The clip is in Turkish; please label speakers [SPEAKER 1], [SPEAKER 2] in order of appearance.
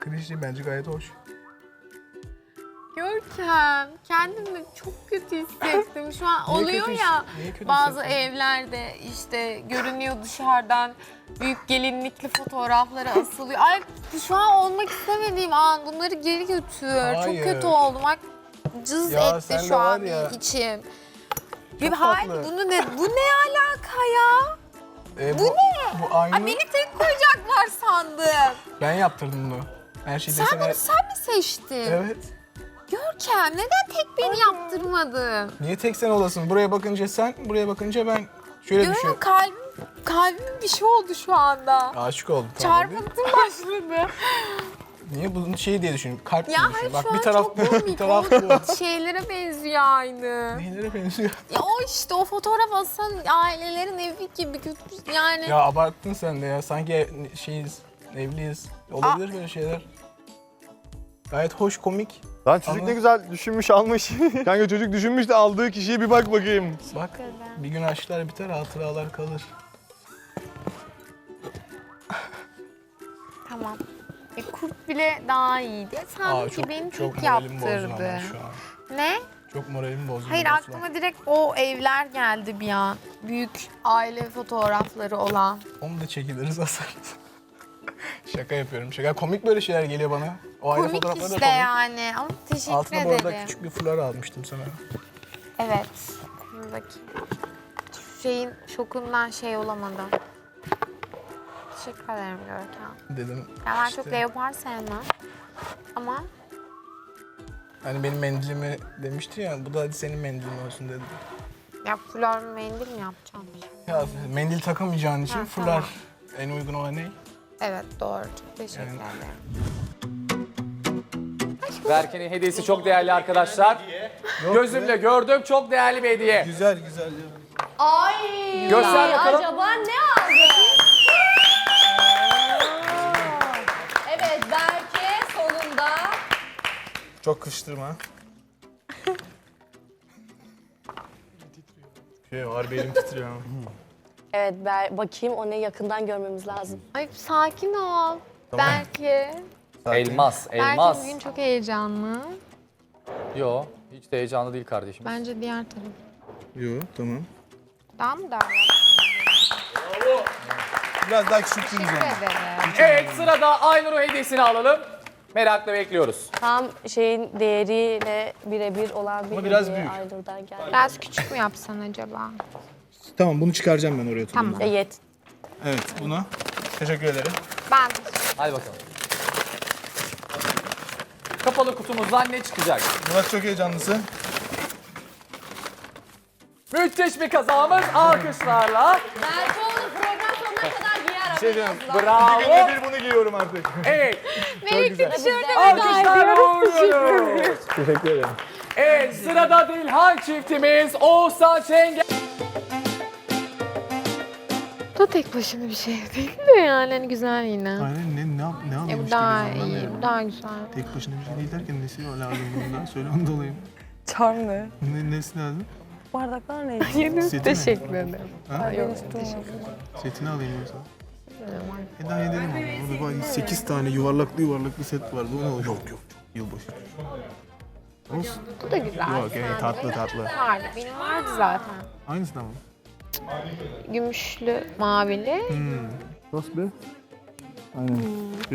[SPEAKER 1] Klişe bence gayet hoş.
[SPEAKER 2] Görkem, kendimi çok kötü hissettim. Şu an
[SPEAKER 1] Niye
[SPEAKER 2] oluyor
[SPEAKER 1] kötü
[SPEAKER 2] ya
[SPEAKER 1] niye kötü
[SPEAKER 2] bazı
[SPEAKER 1] hissettin?
[SPEAKER 2] evlerde işte görünüyor dışarıdan büyük gelinlikli fotoğrafları asılıyor. Ay şu an olmak istemediğim an bunları geri götür. Çok
[SPEAKER 1] Hayır.
[SPEAKER 2] kötü oldum. Bak cız
[SPEAKER 1] Ya
[SPEAKER 2] etti
[SPEAKER 1] sen de
[SPEAKER 2] şu
[SPEAKER 1] var
[SPEAKER 2] an
[SPEAKER 1] ya,
[SPEAKER 2] içim.
[SPEAKER 1] çok
[SPEAKER 2] Bir hayır
[SPEAKER 1] tatlı.
[SPEAKER 2] bu ne alaka ya?
[SPEAKER 1] Bu ne? Bu aynı.
[SPEAKER 2] Ay beni tek koyacaklar sandım.
[SPEAKER 1] Ben yaptırdım bunu. Her şeyi
[SPEAKER 2] Sen
[SPEAKER 1] desene.
[SPEAKER 2] bunu sen mi seçtin?
[SPEAKER 1] Evet.
[SPEAKER 2] Görkem neden tek beni yaptırmadın?
[SPEAKER 1] Niye tek sen olasın? Buraya bakınca sen, buraya bakınca ben. Şöyle düşün.
[SPEAKER 2] Görkem kalbim bir şey oldu şu anda.
[SPEAKER 1] Aşık oldum. Tamam, değil mi?
[SPEAKER 2] Çarpıntım başladı.
[SPEAKER 1] Niye bunun şeyi diye düşün. Kalp diye
[SPEAKER 2] Ya
[SPEAKER 1] düşün.
[SPEAKER 2] hayır
[SPEAKER 1] Bak
[SPEAKER 2] şu an
[SPEAKER 1] bir taraf
[SPEAKER 2] çok
[SPEAKER 1] bu,
[SPEAKER 2] komik.
[SPEAKER 1] bir taraf bu.
[SPEAKER 2] O şeylere benziyor aynı.
[SPEAKER 1] Neylere benziyor?
[SPEAKER 2] Ya o işte o fotoğraf asan ailelerin evi gibi kötü yani.
[SPEAKER 1] Ya abarttın sen de ya. Sanki şeyiz, evliyiz. Olabilir böyle şeyler. Gayet hoş, komik.
[SPEAKER 3] Lan çocuk
[SPEAKER 1] Ama-
[SPEAKER 3] ne güzel düşünmüş almış. Kanka çocuk düşünmüş de aldığı kişiye bir bak bakayım.
[SPEAKER 1] Bak bir gün aşklar biter, hatıralar kalır.
[SPEAKER 2] Tamam. Kurt bile daha iyiydi. Sanki beni tek
[SPEAKER 1] moralim bozdu ama
[SPEAKER 2] yaptırdı.
[SPEAKER 1] şu an.
[SPEAKER 2] Ne?
[SPEAKER 1] Çok moralim bozdu.
[SPEAKER 2] Hayır
[SPEAKER 1] Aslan.
[SPEAKER 2] aklıma direkt o evler geldi bir an. Büyük aile fotoğrafları olan.
[SPEAKER 1] Onu da çekiliriz, asarız. Şaka yapıyorum, şaka. Komik böyle şeyler geliyor bana. O aile
[SPEAKER 2] Komik
[SPEAKER 1] fotoğrafları da
[SPEAKER 2] işte
[SPEAKER 1] komik.
[SPEAKER 2] yani ama teşekkür
[SPEAKER 1] Altına bu arada
[SPEAKER 2] ederim.
[SPEAKER 1] küçük bir fular almıştım sana.
[SPEAKER 2] Evet. Buradaki şeyin şokundan şey olamadım. Teşekkür ederim Görkem.
[SPEAKER 1] Dedim
[SPEAKER 2] Ya ben
[SPEAKER 1] işte,
[SPEAKER 2] çok leopar sevmem. Ama
[SPEAKER 1] hani benim mendilimi demişti ya, bu da hadi senin mendilin olsun dedi.
[SPEAKER 2] ya fular mendil mi yapacağım?
[SPEAKER 1] Ya mendil takamayacağın için
[SPEAKER 2] Ha,
[SPEAKER 1] fular
[SPEAKER 2] tamam.
[SPEAKER 1] en uygun olan ne?
[SPEAKER 2] Evet doğru. Çok teşekkür
[SPEAKER 1] Yani-
[SPEAKER 2] ederim.
[SPEAKER 4] Berke'nin hediyesi çok değerli arkadaşlar. Gözümle gördüm, çok değerli bir hediye.
[SPEAKER 1] Güzel güzel.
[SPEAKER 5] Ay.
[SPEAKER 4] Göster bakalım.
[SPEAKER 5] Acaba ne aldı? Evet Berke sonunda.
[SPEAKER 1] Çok kıştırma. Harbi elim titriyor ama.
[SPEAKER 5] Evet bakayım o ne yakından görmemiz lazım.
[SPEAKER 2] Ay sakin ol. Belki.
[SPEAKER 4] Elmas,
[SPEAKER 2] Belki
[SPEAKER 4] elmas.
[SPEAKER 2] bugün çok heyecanlı.
[SPEAKER 4] Yo, hiç de heyecanlı değil kardeşim.
[SPEAKER 2] Bence diğer taraf.
[SPEAKER 1] Yok tamam.
[SPEAKER 2] Daha mı darlar?
[SPEAKER 1] Biraz daha küçülttünüz
[SPEAKER 2] Teşekkür
[SPEAKER 1] ama.
[SPEAKER 2] ederim.
[SPEAKER 4] Evet, sırada Aynur'un hediyesini alalım. Merakla bekliyoruz.
[SPEAKER 5] Tam şeyin değeriyle birebir olan bir
[SPEAKER 1] Ama biraz
[SPEAKER 5] hediye
[SPEAKER 1] büyük.
[SPEAKER 5] Aynur'dan geldi.
[SPEAKER 2] Biraz küçük mü yapsan acaba?
[SPEAKER 1] Tamam bunu çıkaracağım ben oraya.
[SPEAKER 2] Tamam.
[SPEAKER 5] Yet.
[SPEAKER 1] Evet buna. Teşekkür ederim.
[SPEAKER 2] Ben
[SPEAKER 4] Hadi bakalım. Kapalı kutumuzdan ne çıkacak?
[SPEAKER 1] Murat çok heyecanlısı.
[SPEAKER 4] Müthiş bir kazamız alkışlarla.
[SPEAKER 5] Berke onu program sonuna kadar giyer haberiniz
[SPEAKER 4] Bravo.
[SPEAKER 1] Bir bunu giyiyorum artık.
[SPEAKER 4] Evet,
[SPEAKER 2] Melek'te tişörtü
[SPEAKER 4] alkışlarla uğurluyoruz.
[SPEAKER 1] Teşekkür ederim.
[SPEAKER 4] Evet, sırada Dilhan çiftimiz Oğuzhan Çengel.
[SPEAKER 2] da tek başına bir şey değil de yani hani güzel yine.
[SPEAKER 1] Aynen ne
[SPEAKER 2] Ya
[SPEAKER 1] alıyormuş
[SPEAKER 2] bu daha iyi, bu daha güzel.
[SPEAKER 1] Tek başına bir şey değil derken nesi lazım bundan? Söyle onu da alayım.
[SPEAKER 5] Çam ne?
[SPEAKER 1] Nesi lazım?
[SPEAKER 5] Bardaklar ne?
[SPEAKER 2] Yeni
[SPEAKER 1] Seti mi?
[SPEAKER 2] teşekkür ederim.
[SPEAKER 1] Ha?
[SPEAKER 2] Yok teşekkür
[SPEAKER 1] Setini alayım yoksa. Daha edelim ama. Orada 8 tane yuvarlaklı set vardı. O ne olacak? Yok. Yılbaşı. Olsun.
[SPEAKER 2] Bu da güzel.
[SPEAKER 1] Yok tatlı.
[SPEAKER 2] Vardı. Benim vardı zaten.
[SPEAKER 1] Aynısı da mı?
[SPEAKER 2] Gümüşlü, mavili.
[SPEAKER 1] Nasıl be? Aynen.